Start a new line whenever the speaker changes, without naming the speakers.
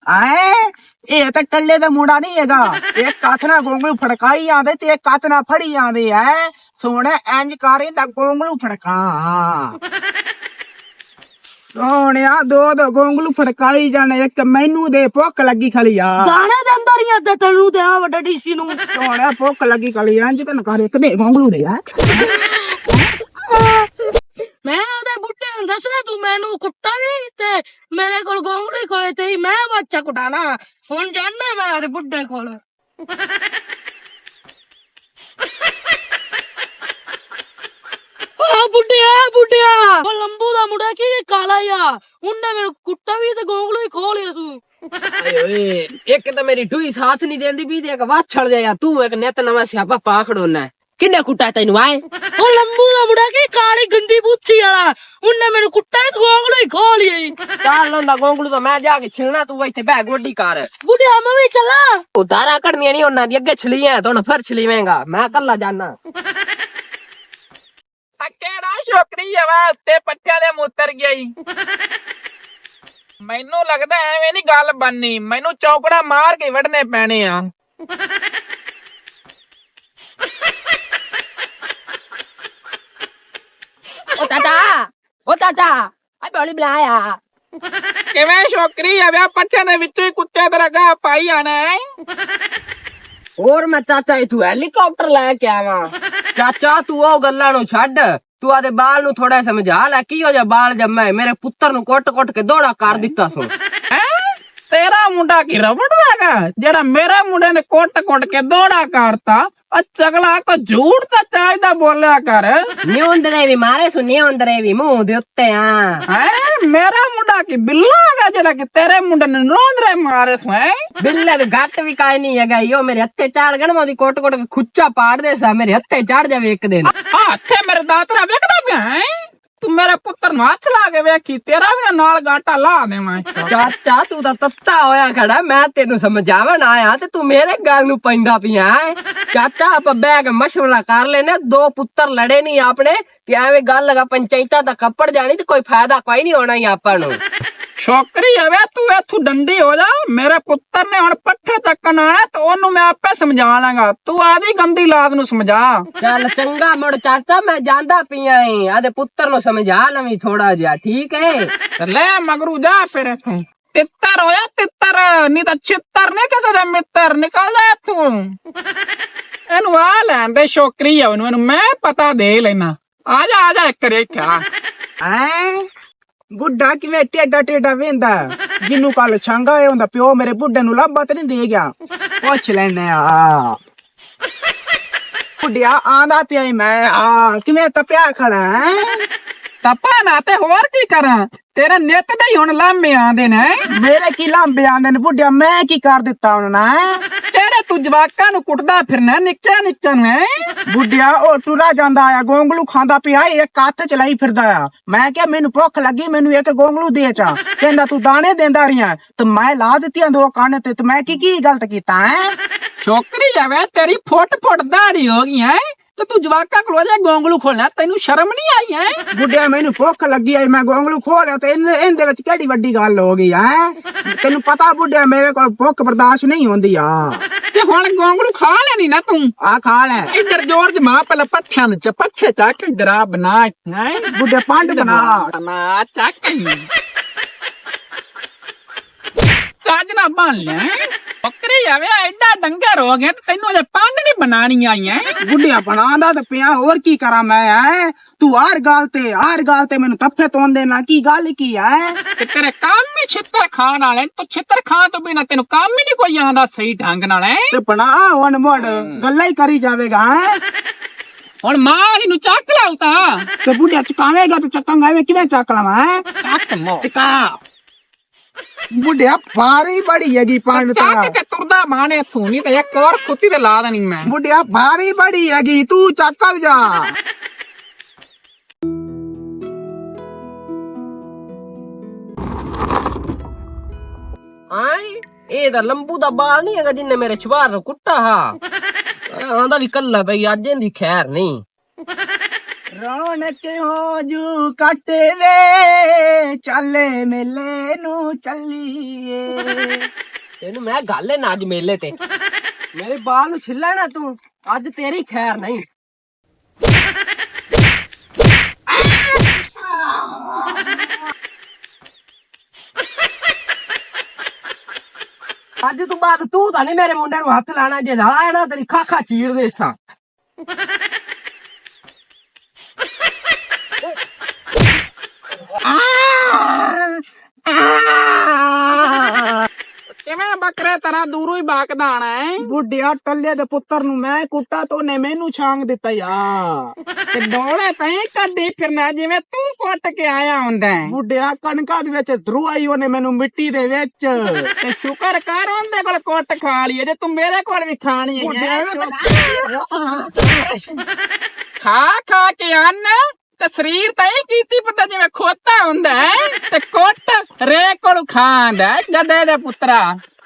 ਐ ਇਹ ਤਾਂ ਟੱਲੇ ਦਾ ਮੁੰਡਾ ਨਹੀਂ ਹੈਗਾ। ਇੱਕ ਹੱਥ ਨਾਲ ਗੋਂਗਲੂ ਫੜਕਾਈ ਆਂਦੇ ਤੇ ਇੱਕ ਹੱਥ ਨਾਲ ਫੜੀ ਆਂਦੇ ਐ। ਸੋਹਣਾ ਇੰਜ ਕਰੇ ਤਾਂ ਗੋਂਗਲੂ ਫੜਕਾ ਸੋਹਣਿਆ ਦੋ ਗੋਂਗਲੂ ਫੜਕਾਈ ਜਾਣੇ। ਇੱਕ ਮੈਨੂੰ ਦੇ ਭੁੱਖ ਲੱਗੀ ਖਲੀ ਆ
ਗਾਣੇ ਦੇ ਅੰਦਰ ਹੀ ਅੱਧਾ ਤੈਨੂੰ ਤੇ ਆ ਵੱਡਾ ਡੀਸੀ ਨੂੰ
ਸੋਹਣਿਆ ਭੁੱਖ ਲੱਗੀ ਖਲੀ ਇੰਜ ਤਾਂ ਕਰ ਇੱਕ ਦੇ ਗੋਂਗਲੂ ਦੇ ਆ।
ਮੈਂ ਉਹਦੇ ਬੁੱਢੇ ਨੂੰ ਦੱਸਣਾ ਤੂੰ ਮੈਨੂੰ ਕੁੱਟਾ ਵੀ ਤੇ ਮੇਰੇ ਕੋਲ ਗੋਂਗਲੂ ਖੋਏ ਤੇ ਮੈਂ ਬੱਚਾ ਕੁਟਾਣਾ। ਹੁਣ ਜਾਣਾ ਮੈਂ ਉਹਦੇ ਬੁੱਢੇ ਕੋਲ। ਬੁੱਢਿਆ ਉਹ ਲੰਬੂ ਦਾ ਮੁੰਡਾ ਕੀ ਕਾਲਾ ਆ ਉਹਨੇ ਮੈਨੂੰ ਕੁੱਟਾ ਵੀ ਤੇ ਗੋਂਗਲੂ ਹੀ ਖੋਹ ਲਿਆ ਤੂੰ।
ਓਏ ਇੱਕ ਤਾਂ ਮੇਰੀ ਢੂਈ ਸਾਥ ਨਹੀਂ ਦੇਂਦੀ ਵੀ ਤੇ ਇੱਕ ਵਾਛ ਛੜ ਜਾਇਆ ਤੂੰ ਇੱਕ ਨਿਤ ਨਵਾਂ ਸਿਆਪਾ ਪਾ ਖੜੋਨਾ ਕਿੰਨੇ ਕੁੱਟਾ ਤੈਨੂੰ ਆਏ
ਉਹ ਲੰਬੂ ਦਾ ਮੁੰਡਾ ਕੀ ਕਾਲੀ ਗੰਦੀ ਬੁੱਥੀ ਵਾਲਾ ਉਹਨੇ ਮੈਨੂੰ ਕੁੱਟਾ ਤੇ ਗੋਂਗਲੂ ਹੀ ਖੋਹ ਲਿਆ।
ਚੱਲ ਹੁੰਦਾ ਗੋਂਗਲੂ ਤਾਂ ਮੈਂ ਜਾ ਕੇ ਛਿਲਣਾ ਤੂੰ ਇੱਥੇ ਬੈ ਗੋਡੀ ਕਰ।
ਬੁੱਢਿਆ ਮੈਂ ਵੀ ਚੱਲਾਂ
ਉਦਾਰਾ ਕੱਢਣੀਆਂ ਨਹੀਂ ਉਹਨਾਂ ਦੀ ਅੱਗੇ ਛਲੀਆਂ ਤੂੰ ਫਿਰ ਛਲੀਵੇਂਗਾ ਮੈਂ ਕੱਲਾ ਜਾਣਾ।
ਕਿਹੜਾ ਛੋਕਰੀ ਆ ਵਾ ਉੱਤੇ ਪੱਠਿਆਂ ਦੇ ਮੁੱਤਰ ਗਈ। ਮੈਨੂੰ ਲੱਗਦਾ ਐਵੇਂ ਨੀ ਗੱਲ ਬਣਨੀ ਮੈਨੂੰ ਚੌਕੜਾ ਮਾਰ ਕੇ ਵੜਨੇ ਪੈਣੇ ਆ।
ਓ ਚਾਚਾ ਆ ਬੋਲੀ ਬੁਲਾਇਆ
ਕਿਵੇਂ ਛੋਕਰੀ ਆ ਵਾ ਪੱਠਿਆਂ ਦੇ ਵਿੱਚੋਂ ਹੀ ਕੁੱਤੇ ਦਾ ਰਗਾ ਪਾਈ ਆਣਾ ਹੈ।
ਹੋਰ ਮੈਂ ਚਾਚਾ ਇਥੋਂ ਹੈਲੀਕਾਪਟਰ ਲੈ ਕੇ ਆਵਾਂ। ਚਾਚਾ ਤੂੰ ਉਹ ਗੱਲਾਂ ਨੂੰ ਛੱਡ ਤੂੰ ਆਦੇ ਬਾਲ ਨੂੰ ਥੋੜਾ ਸਮਝਾ ਲੈ ਕੀ ਹੋ ਜਾ ਬਾਲ ਜੰਮਾ ਹੈ ਮੇਰੇ ਪੁੱਤਰ ਨੂੰ ਕੁੱਟ ਕੇ ਦੋੜਾ ਕਰ ਦਿੱਤਾ ਸੋ।
ਤੇਰਾ ਮੁੰਡਾ ਕੀ ਰਬੜ ਹੈਗਾ ਜਿਹੜਾ ਮੇਰੇ ਮੁੰਡੇ ਨੇ ਕੁੱਟ ਕੇ ਦੋੜਾ ਕਰਤਾ। ਚਗਲਾ ਕੋ ਝੂਠ ਤਾਂ ਚਾਹੀਦਾ ਬੋਲਿਆ ਕਰ।
ਨਿਉਂਦਰੇ ਵੀ ਮਾਰੇ ਸੁ ਨਿਉਂਦਰੇ ਵੀ ਮੂੰਹ ਦੇ ਉੱਤੇ ਆ
ਮੇਰਾ ਮੁੰਡਾ ਕੀ ਬਿੱਲਾ ਹੈਗਾ ਜਿਹੜਾ ਕਿ ਤੇਰੇ ਮੁੰਡੇ ਨੇ ਨਿਉਂਦਰੇ ਮਾਰੇ ਸੁ।
ਬਿੱਲੇ ਤੇ ਘੱਟ ਵੀ ਕਾਇ ਨਹੀਂ ਹੈਗਾ ਈਓ ਮੇਰੇ ਹੱਥੇ ਚਾੜ ਗਣ ਮੋਦੀ ਕੁੱਟ ਕੇ ਖੁੱਚਾ ਪਾੜਦੇ ਸਾ ਮੇਰੇ ਹੱਥੇ ਚੜ ਜਾਵੇ ਇੱਕ ਦਿਨ।
ਹੱਥੇ ਮੇਰੇ ਦਾਤਰਾ ਵੇਖਦਾ ਪਿਆ ਹੈ ਤੂੰ ਮੇਰੇ ਪੁੱਤਰ ਨੂੰ ਹੱਥ ਲਾ ਕੇ ਵੇਖੀ ਤੇਰਾ ਵੀ ਨਾਲ ਗਾਟਾ ਲਾ ਦੇਵਾਂ।
ਚਾਚਾ ਤੂੰ ਤਾਂ ਤੱਤਾ ਹੋਇਆ ਖੜਾ ਮੈਂ ਤੈਨੂੰ ਸਮਝਾਵਣ ਆਇਆ ਤੇ ਤੂੰ ਮੇਰੇ ਗੱਲ ਨੂੰ ਪੈਂਦਾ ਪਿਆ। ਚਾਚਾ ਆਪਾਂ ਬੈਗ ਮਸ਼ਵਰਾ ਕਰ ਲੈਨੇ ਦੋ ਪੁੱਤਰ ਲੜੇ ਨਹੀਂ ਆਪਣੇ ਤੇ ਐਵੇਂ ਗੱਲ ਲਗਾ ਪੰਚਾਇਤਾਂ ਦਾ ਕੱਪੜ ਜਾਣੀ ਤੇ ਕੋਈ ਫਾਇਦਾ ਕੋਈ ਨਹੀਂ ਹੋਣਾ ਹੀ ਆਪਾਂ ਨੂੰ।
ਛੋਕਰੀ ਆਵੇ ਤੂੰ ਇੱਥੋਂ ਡੰਡੀ ਹੋ ਜਾ ਮੇਰੇ ਪੁੱਤਰ ਨੇ ਹੁਣ ਪੱਠੇ ਚੱਕਣ ਆਇਆ ਤੇ ਉਹਨੂੰ ਮੈਂ ਆਪੇ ਸਮਝਾ ਲਾਂਗਾ ਤੂੰ ਆਦੀ ਗੰਦੀ ਲਾਦ ਨੂੰ ਸਮਝਾ।
ਚੱਲ ਚੰਗਾ ਮੁੜ ਚਾਚਾ ਮੈਂ ਜਾਂਦਾ ਪਿਆ ਏ ਆਦੇ ਪੁੱਤਰ ਨੂੰ ਸਮਝਾ ਲਵੀਂ ਥੋੜਾ ਜਿਹਾ ਠੀਕ ਹੈ।
ਲੈ ਮਗਰੂ ਜਾ ਫਿਰ ਇੱਥੋਂ ਤਿੱਤਰ ਹੋਇਆ ਤਿੱਤਰ ਨਹੀਂ ਤਾਂ ਚਿੱਤਰ ਨੇ ਕਿਸੇ ਦੇ ਮਿੱਤਰ ਨਿਕਲ ਜਾ ਇੱਥੋਂ। ਇਹਨੂੰ ਆ ਲੈਣ ਦੇ ਛੋਕਰੀ ਆ ਉਹਨੂੰ ਇਹਨੂੰ ਮੈਂ ਪਤਾ ਦੇ ਲੈਣਾ। ਆ ਜਾ ਇੱਕ ਰੇਖਾ
ਐ ਬੁੱਢਾ ਕਿਵੇਂ ਟੇਡਾ ਵੇਂਦਾ ਜਿਹਨੂੰ ਕੱਲ ਛਾਂਗਾ ਇਹ ਹੁੰਦਾ ਪਿਓ ਮੇਰੇ ਬੁੱਢੇ ਨੂੰ ਲੱਭਾ ਤੇ ਨਹੀਂ ਦੇ ਗਿਆ। ਪੁੱਛ ਲੈਨੇ ਆ ਬੁੱਢਿਆ ਆਂਦਾ ਪਿਆ ਮੈਂ ਕਿਵੇਂ ਤਪਿਆ ਖੜਾ ਹੈ।
ਤਪਾ ਨਾ ਤੇ ਹੋਰ ਕੀ ਕਰਾਂ ਤੇਰੇ ਨਿੱਤ ਦੇ ਹੀ ਹੁਣ ਲਾਂਬੇ ਆਂਦੇ ਨੇ।
ਮੇਰੇ ਕੀ ਲਾਂਬੇ ਆਂਦੇ ਨੇ ਬੁੱਢਿਆ ਮੈਂ ਕੀ ਕਰ ਦਿੱਤਾ ਉਹਨਾਂ ਨੇ।
ਜਿਹੜੇ ਤੂੰ ਜਵਾਕਾਂ ਨੂੰ ਕੁੱਟਦਾ ਫਿਰਨਾ ਨਿੱਕਿਆ ਨੂੰ
ਬੁੱਢਿਆ ਉਹ ਟੁਰਾ ਜਾਂਦਾ ਆ ਗੋਂਗਲੂ ਖਾਂਦਾ ਪਿਆ ਇੱਕ ਹੱਥ ਚਲਾਈ ਫਿਰਦਾ ਆ। ਮੈਂ ਕਿਹਾ ਮੈਨੂੰ ਭੁੱਖ ਲੱਗੀ ਮੈਨੂੰ ਇੱਕ ਗੋਂਗਲੂ ਦੇ ਚਾ ਕਹਿੰਦਾ ਤੂੰ ਦਾਣੇ ਦੇਂਦਾ ਰਹੀਆਂ ਤੇ ਮੈਂ ਲਾ ਦਿੱਤੀਆਂ ਦੋ ਕੰਨ ਤੇ ਮੈਂ ਕੀ ਗਲਤ ਕੀਤਾ ਹੈ।
ਛੋਕਰੀ ਜਾਵੇ ਤੇਰੀ ਫੁੱਟ ਦਾੜੀ ਹੋ ਗਈ ਹੈ ਤੇ ਤੂੰ ਜਵਾਕਾਂ ਕੋਲ ਜਾ ਗੋਂਗਲੂ ਖੋਲਣਾ ਤੈਨੂੰ ਸ਼ਰਮ ਨਹੀਂ ਆਈ ਹੈ।
ਬੁੱਢਿਆ ਮੈਨੂੰ ਭੁੱਖ ਲੱਗੀ ਆਈ ਮੈਂ ਗੋਂਗਲੂ ਖੋਲਿਆ ਤੇ ਇਹਦੇ ਵਿੱਚ ਕਿਹੜੀ ਵੱਡੀ ਗੱਲ ਹੋ ਗਈ ਹੈ। ਤੈਨੂੰ ਪਤਾ ਬੁੱਢਿਆ ਮੇਰੇ ਕੋਲ ਭੁੱਖ ਬਰਦਾਸ਼ਤ ਨਹੀਂ ਹੁੰਦੀ ਆ।
ਤੇ ਹੁਣ ਗੋਂਗਲੂ ਖਾ ਲੈਣੀ ਨਾ ਤੂੰ
ਆ ਖਾ ਲੈ
ਇੱਧਰ ਜੋਰ ਜਮਾ ਪਹਿਲਾਂ ਪੱਠਿਆਂ ਨੂੰ ਪੱਠੇ ਚੱਕ ਜਰਾ ਬਣਾ ਹੈ
ਬੁੱਢਿਆ ਪੰਡ ਬਣਾ
ਚੱਕ ਚੱਜ ਨਾ ਬਣ ਲੈ ਬੱਕਰੀ ਜਾਵੇ ਐਡਾ ਡੰਗਰ ਹੋ ਗਿਆ ਤੇ ਤੈਨੂੰ ਅਜੇ ਪੰਡ ਨਹੀਂ ਬਣਾਣੀ ਆਈਆਂ।
ਬੁੱਢਿਆ ਬਣਾਉਂਦਾ ਤੇ ਪਿਆ ਹੋਰ ਕੀ ਕਰਾਂ ਮੈਂ ਤੂੰ ਹਰ ਗੱਲ ਤੇ ਮੈਨੂੰ ਤੱਫੇ ਤੋਂਦੇ ਨਾ ਕੀ ਗੱਲ ਕੀ ਹੈ।
ਤੇ ਤੇਰੇ ਕੰਮ ਹੀ ਛਿੱਤਰ ਖਾਣ ਵਾਲੇ ਤੂੰ ਛਿੱਤਰ ਖਾਣ ਤੋਂ ਬਿਨਾ ਤੈਨੂੰ ਕੰਮ ਹੀ ਨਹੀਂ ਕੋਈ ਆਉਂਦਾ ਸਹੀ ਢੰਗ ਨਾਲ
ਤੇ ਬਣਾ ਹੁਣ ਮੋੜ ਗੱਲਾਂ ਹੀ ਕਰੀ ਜਾਵੇਗਾ।
ਹੁਣ ਮਾਂ ਨੂੰ ਚੱਕ ਲਾਉ ਤਾਂ
ਤੇ ਬੁੱਢਿਆ ਚਕਾਵੇਗਾ ਤੇ ਚੱਕਾਂਗਾ ਐਵੇਂ ਕਿਵੇਂ ਚੱਕ ਲਵਾਂ
ਚੱਕ ਮੋ
ਚਕਾ ਬੁੱਢਿਆ ਭਾਰੀ ਬੜੀ ਹੈਗੀ ਪੰਡ ਤਾਂ
ਚੱਕ ਕੇ ਤੁਰਦਾ ਮਾਣੇ ਤੂੰ ਨਹੀਂ ਤੇ ਇੱਕ ਹੋਰ ਕੁੱਤੀ ਤੇ ਲਾ ਦੇਣੀ ਮੈਂ।
ਬੁੱਢਿਆ ਭਾਰੀ ਬੜੀ ਹੈਗੀ ਤੂੰ ਚੱਕਰ ਜਾ।
ਆਏ ਇਹ ਤਾਂ ਲੰਬੂ ਦਾ ਬਾਲ ਨਹੀਂ ਹੈਗਾ ਜਿੰਨੇ ਮੇਰੇ ਛਵਾਰ ਨੂੰ ਕੁੱਟਾ ਹਾਂ ਆਂਦਾ ਵੀ ਕੱਲਾ ਬਈ ਅੱਜ ਇਹਦੀ ਖੈਰ ਨਹੀਂ।
ਰੌਣਕ ਹੋ ਜੂ ਕੱਟ ਵੇ ਚੱਲੇ ਮੇਲੇ ਨੂੰ ਚੱਲੀਏ।
ਤੈਨੂੰ ਮੈਂ ਗੱਲ ਨਾ ਅੱਜ ਮੇਲੇ ਤੇ ਮੇਰੇ ਬਾਲ ਨੂੰ ਛਿੱਲਾ ਨਾ ਤੂੰ ਅੱਜ ਤੇਰੀ ਖੈਰ ਨਹੀਂ। ਅੱਜ ਤੋਂ ਬਾਅਦ ਤੂੰ ਤਾਂ ਨਹੀਂ ਮੇਰੇ ਮੁੰਡੇ ਨੂੰ ਹੱਥ ਲਾਣਾ, ਜੇ ਲਾਇਆ ਨਾ ਤੇਰੀ ਖਾਖਾ ਚੀਰ ਦੇ ਸਾਂ।
ਕਿਵੇਂ ਬੱਕਰੇ ਤਰ੍ਹਾਂ ਦੂਰੋਂ ਹੀ ਬਾਕਦਾ ਆਣਾ ਹੈ?
ਬੁੱਢਿਆ ਟੱਲੇ ਦੇ ਪੁੱਤਰ ਨੂੰ ਮੈਂ ਕੁੱਟਾ ਤੋਂ ਨੇ ਮੈਨੂੰ ਛਾਂਗ ਦਿੱਤਾ ਯਾਰ।
ਤੇ ਡੋਲੇ ਤੈਂ ਕੱਢੀ ਫਿਰਨਾ ਜਿਵੇਂ ਤੂੰ ਕੁੱਟ ਕੇ ਆਇਆ ਹੁੰਦਾ ਹੈ।
ਬੁੱਢਿਆ ਕਣਕਾਂ ਦੇ ਵਿੱਚ ਧਰੂਆਈ ਉਹਨੇ ਮੈਨੂੰ ਮਿੱਟੀ ਦੇ ਵਿੱਚ।
ਤੇ ਸ਼ੁਕਰ ਕਰ ਉਹਦੇ ਕੋਲ ਕੁੱਟ ਖਾ ਲਈ, ਜੇ ਤੂੰ ਮੇਰੇ ਕੋਲ ਵੀ ਖਾਣੀ ਹੈ। ਖਾ ਖਾ ਕੇ ਅੰਨ ਤੇ ਸਰੀਰ ਤਾਂ ਇਹ ਕੀਤੀ ਫਿਰਦਾ ਜਿਵੇਂ ਖੋਤਾ ਹੁੰਦਾ ਹੈ, ਤੇ ਕੁੱਟ ਰੇ ਕੋਲ ਖਾਂਦਾ ਗੱਡੇ ਦੇ ਪੁੱਤਰਾ।